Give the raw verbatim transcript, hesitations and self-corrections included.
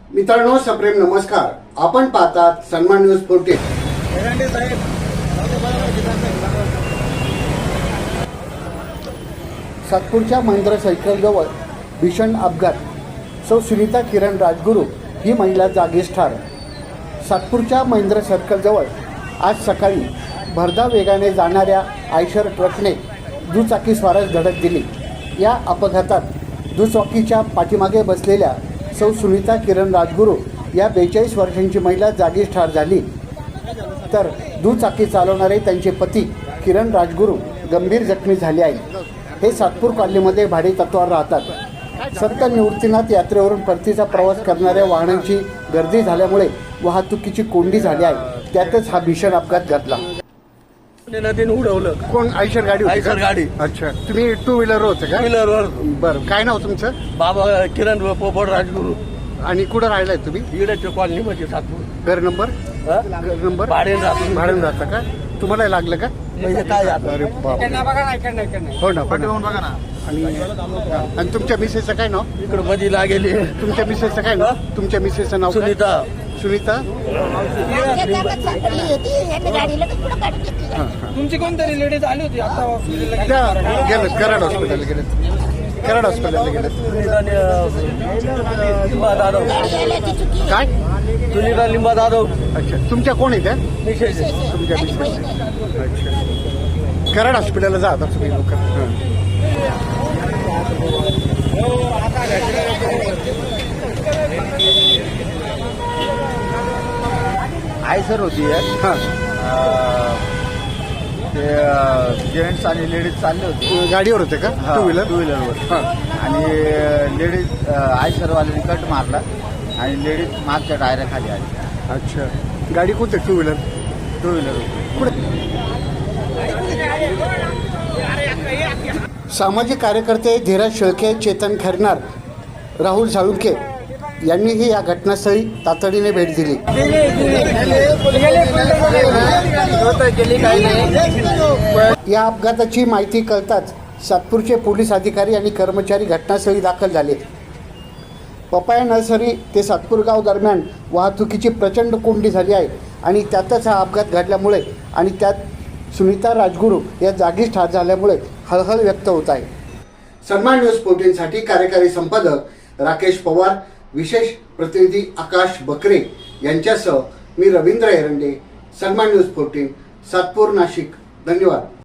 मित्रांनो, सप्रेम नमस्कार. आपण पाहतात सन्मान न्यूज फोर्टीन. सातपूरच्या महिंद्रा सायकल जवळ भीषण अपघात. सौ सुनीता किरण राजगुरू ही महिला जागीच ठार. सातपूरच्या महिंद्रा सर्कल जवळ आज सकाळी भरधाव वेगाने जाणाऱ्या आयशर ट्रकने दुचाकी स्वारास धडक दिली. या अपघातात दुचाकीच्या पाठीमागे बसलेल्या सौ सुनीता किरण राजगुरू या बेचाळीस वर्षांची महिला जागीच ठार झाली, तर दुचाकी चालवणारे त्यांचे पती किरण राजगुरू गंभीर जखमी झाले आहेत. हे सातपूर कॉलनीमध्ये भाडे तत्त्वावर राहतात. संत निवृत्तीनाथ यात्रेवरून परतीचा प्रवास करणाऱ्या वाहनांची गर्दी झाल्यामुळे वाहतुकीची कोंडी झाली आहे. त्यातच हा भीषण अपघात घडला. नदीने उडवलं. कोण? आयशर गाडी होती का? आयशर गाडी. अच्छा, तुम्ही टू व्हीलर होते का? व्हीलरवर. बरं, काय नाव तुमचं? बाबा किरण पोपट राजगुरू. आणि कुठं राहिलाय तुम्ही? इकडे कॉलनी मध्ये सातपूर. घर नंबर? हा? घर नंबर भाड्याने राहतो. भाड्याने राहता का? तुम्हाला लागलं का? म्हणजे काय आता? अरे बाप. हो ना, हो ना. बघा ना. आणि आणि तुमच्या मिसेसचं काय नाव? इकडे मधीला गेली. तुमच्या मिसेसचं काय नाव? तुमच्या मिसेसचं नाव काय? सुनीता. सुनीता. तुमची कोणतरी लेडीज आली होती आता हॉस्पिटलला त्या गेलं कराड हॉस्पिटलला गेलेत. कराड हॉस्पिटलला गेलेत. सुनीता लिंबा जाधव. काय? सुनीता लिंबा जाधव. अच्छा, तुमच्या कोण आहे त्या? विशेष. तुमच्या मिसेस. अच्छा, कराड हॉस्पिटलला जा आता तुम्ही लोक. आयसर होती. हां, ते जेंट्स आणि लेडीज चालले होते. गाडीवर होते का? Two wheeler. टू व्हीलरवर. हां, आणि लेडीज आयसरवाल्याने कट मारला आणि लेडीज मागच्या टायऱ्या खाली आली. अच्छा, गाडी कोणती? Two wheeler. Two wheeler. सामाजिक कार्यकर्ते धीरज शेळके, चेतन खैरनार, राहुल साळुंके यांनीही या घटनास्थळी तातडीने भेट दिली. या अपघाताची माहिती कळताच सातपूरचे पोलीस अधिकारी आणि कर्मचारी घटनास्थळी दाखल झाले. पपाया नर्सरी ते सातपूर गाव दरम्यान वाहतुकीची प्रचंड कोंडी झाली आहे आणि त्यातच हा अपघात घडल्यामुळे आणि त्यात सुनीता राजगुरू या जागीच ठार झाल्यामुळे हळहळ व्यक्त होत आहे. सन्मान न्यूज फोर्टीनसाठी कार्यकारी संपादक राकेश पवार, विशेष प्रतिनिधी आकाश बकरे यांच्यासह मी रवींद्र एरंडे. सन्मान न्यूज फोर्टीन, सातपूर, नाशिक. धन्यवाद.